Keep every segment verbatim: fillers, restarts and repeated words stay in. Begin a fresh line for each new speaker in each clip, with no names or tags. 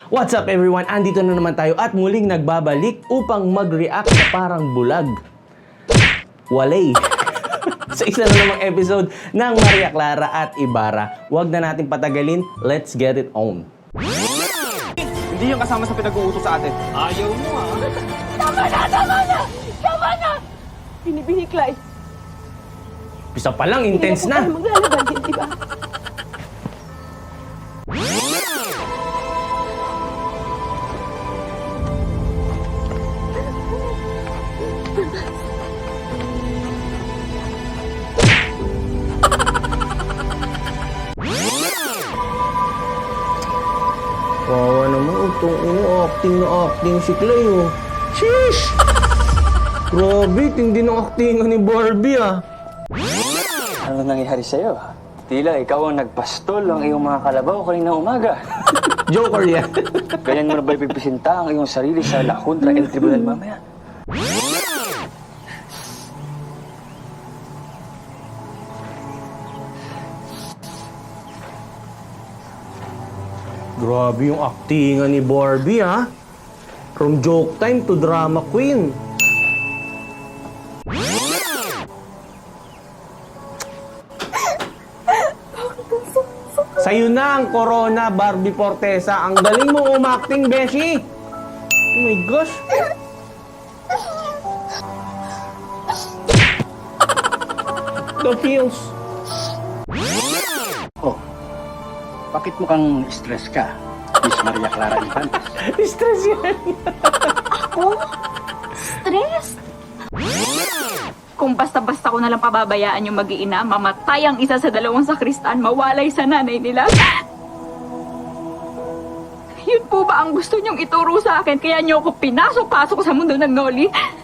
What's up everyone? Andito na naman tayo at muling nagbabalik upang mag-react na parang bulag. Walay. Sa isa na namang episode ng Maria Clara at Ibarra. Huwag na natin patagalin, let's get it on.
Hindi yung kasama sa pinag-uutos sa atin. Ayaw mo ah.
Tama na! Tama na! Tama na! Binibihiklay.
Pisa pa lang, intense na.
Hindi na po tayo maglalaban, di ba?
Wawa naman, itong ino, acting na acting si Clay, oh. Sheesh! Grabe, tindi ng actingan ni Barbie, ah.
Ano nangyari sa'yo? Tila ikaw ang nagpastol ang iyong mga kalabaw kanina umaga.
Joker yan.
Ganyan mo na ba ipipresinta ang iyong sarili sa La Junta El Tribunal mamaya?
Grabe yung actingan ni Barbie, ha? From joke time to drama queen. Sa'yo na ang corona, Barbie Fortesa. Ang galing mo umacting, Beshi. Oh my gosh. The feels.
Oh, bakit mukhang stress ka, Miss Maria Clara Infantes?
Stress yan.
Ako? Stress?
Kung basta-basta ko nalang pababayaan yung mag-iina, mamatay ang isa sa dalawang sakristan, mawalay sa nanay nila. Yun po ba ang gusto niyong ituro sa akin? Kaya niyo ako pinasok-pasok sa mundo ng Noli?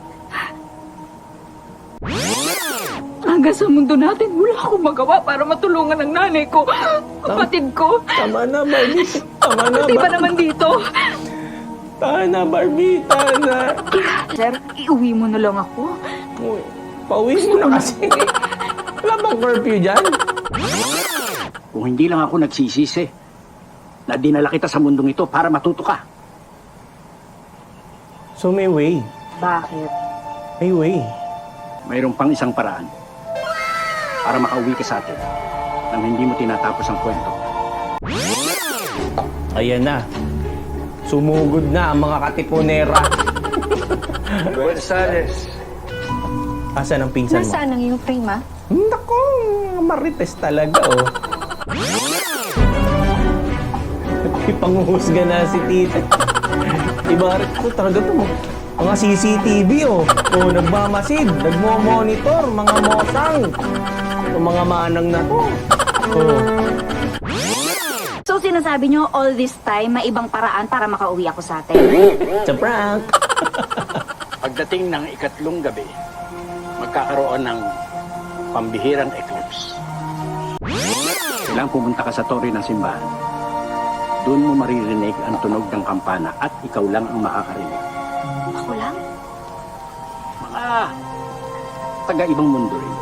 Hanggang sa mundo natin, wala akong magawa para matulungan ang nanay ko, kapatid ko.
Tama na, Barbie. Tama na,
Di ba
Barbie.
naman dito?
Tama na, Barbie. Tama na.
Sir, iuwi mo na lang ako.
Uy, pauwi mo na kasi. Wala bang curfew dyan?
Kung hindi lang ako nagsisisi na dinala kita sa mundong ito para matuto ka.
So may way.
Bakit?
May way.
Mayroon pang isang paraan para makauwi ka sa atin nang hindi mo tinatapos ang kwento.
Ayan na. Sumugod na ang mga katipunera.
Gonzales,
Asan ang pinsan mo?
Nasaan ang iyong prima?
Nako, marites talaga, oh. Ipanguhusga na si tita. Ibarat ko talaga to, mga C C T V, oh. Oh, nagmamasid, nagmo-monitor, mga mosang. O mga manang na to. Oh.
So sinasabi niyo all this time may ibang paraan para makauwi ako sa atin?
It's a prank.
Pagdating ng ikatlong gabi, magkakaroon ng pambihirang eclipse. Kailangan pumunta ka sa tore ng simbahan. Doon mo maririnig ang tunog ng kampana at ikaw lang ang makakarinig.
Ako lang?
Mga taga-ibang mundo rin.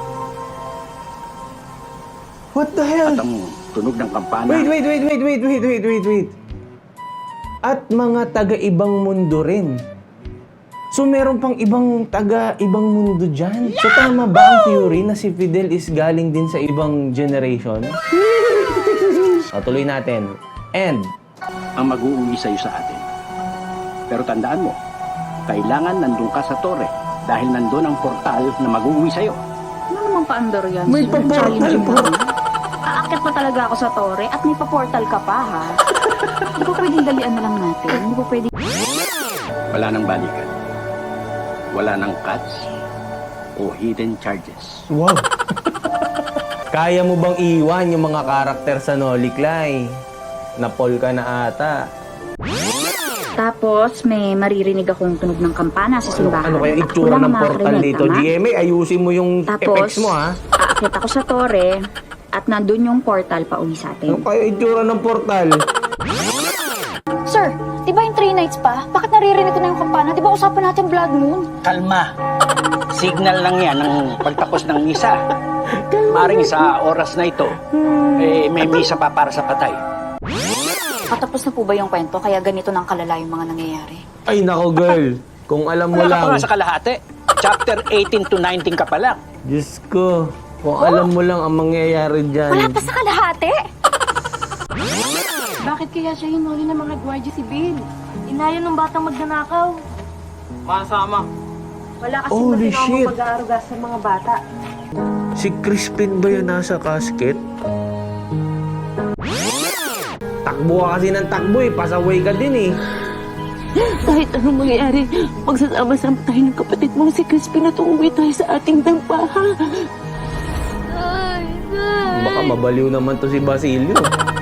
What the hell?
At ang tunog ng kampana...
Wait, wait, wait, wait, wait, wait, wait, wait, wait. At mga taga-ibang mundo rin. So meron pang ibang taga-ibang mundo dyan. So tama ba ang theory na si Fidel is galing din sa ibang generation? O, tuloy natin. And,
ang mag-uuwi sa'yo sa atin. Pero tandaan mo, kailangan nandun ka sa tore dahil nandun ang portal na mag-uuwi sa'yo.
Ano naman paandar yan?
May
sir?
pa-portal
Challenging
po.
naman. Aakit pa talaga ako sa tore at may pa-portal ka pa, ha? Hindi ba pwedeng dalian na lang natin? Hindi ba pwedeng...
Wala nang balikan. Wala nang cuts o hidden charges.
wow. Kaya mo bang iwan yung mga karakter sa Noli Clay? Napol ka na ata.
Tapos, may maririnig akong tunog ng kampana sa simbahan.
Ano kaya
At
itsura
wala
ng
mga
portal
karinig,
dito?
tama?
G M A, ayusin mo yung
Tapos,
effects mo, ha?
aakit ako sa tore at nandun yung portal pa uwi sa
Ano
atin.
kaya itsura ng portal?
Sir, di ba yung three nights pa? Bakit naririnig ko na yung kampana? Di ba usapan natin blood moon?
Kalma! Signal lang yan ng pagtapos ng misa. Maring sa oras na ito, eh, may misa pa para sa patay.
Patapos Tapos na po ba yung kwento? Kaya ganito nang kalala yung mga nangyayari?
Ay, nako girl. Kung alam mo
Wala ka
lang.
pa nga sa kalahati. Chapter eighteen to nineteen ka pa lang.
Diyos ko. Kung alam mo lang ang mangyayari dyan.
Wala pa sa kalahati!
Bakit kaya siya hinuli ng mga gwardiya si Bill? Inaya ng batang magnanakaw.
Masama.
Wala kasi
Holy
maginawa
shit.
pag-aaruga sa mga bata.
Si Crispin ba yun nasa casket? Takbo ka kasi ng takbo eh. Pasaway ka din eh.
Kahit anong mangyayari, magsasama-sama tayo ng kapatid mong si Crispin at uuwi tayo sa ating dampa, ha?
Baka mabaliw naman to si Basilio.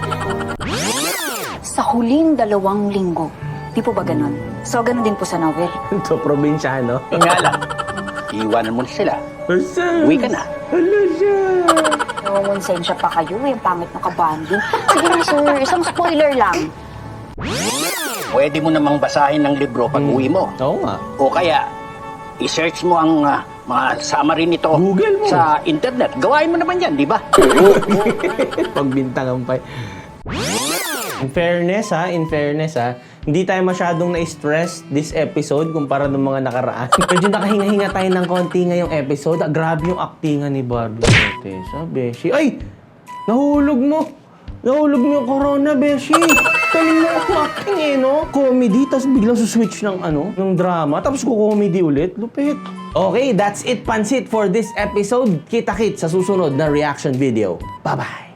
Sa huling dalawang linggo. Di po ba ganon? So, ganon din po sa novel.
Ito, probinsyano.
Yung nga lang, iiwanan mo na sila. Uwi ka na.
Hala siya.
Namumonsensya pa kayo eh. Ang pangit ng kabanding. Sige na, sir. Isang spoiler lang.
Pwede mo namang basahin ng libro pag uwi mo.
Oo nga.
O kaya, i-search mo ang ah, mga summary nito
Google mo.
sa internet. Gawain mo naman yan, di ba?
Pagbintangan pa. In fairness ha, in fairness ha, hindi tayo masyadong na-stress this episode kumpara ng mga nakaraan. Medyo nakahinga-hinga tayo ng konti ngayong episode. Ah, grabe yung actingan ni Barbie Tessa, Beshi. Ay! Nahulog mo! Nahulog mo yung corona, Beshi! Galing mo acting eh, no? Comedy, tapos biglang suswitch ng ano, ng drama, tapos ko-comedy ulit. Lupit. Okay, that's it, Pansit, for this episode. Kita-kit sa susunod na reaction video. Bye-bye!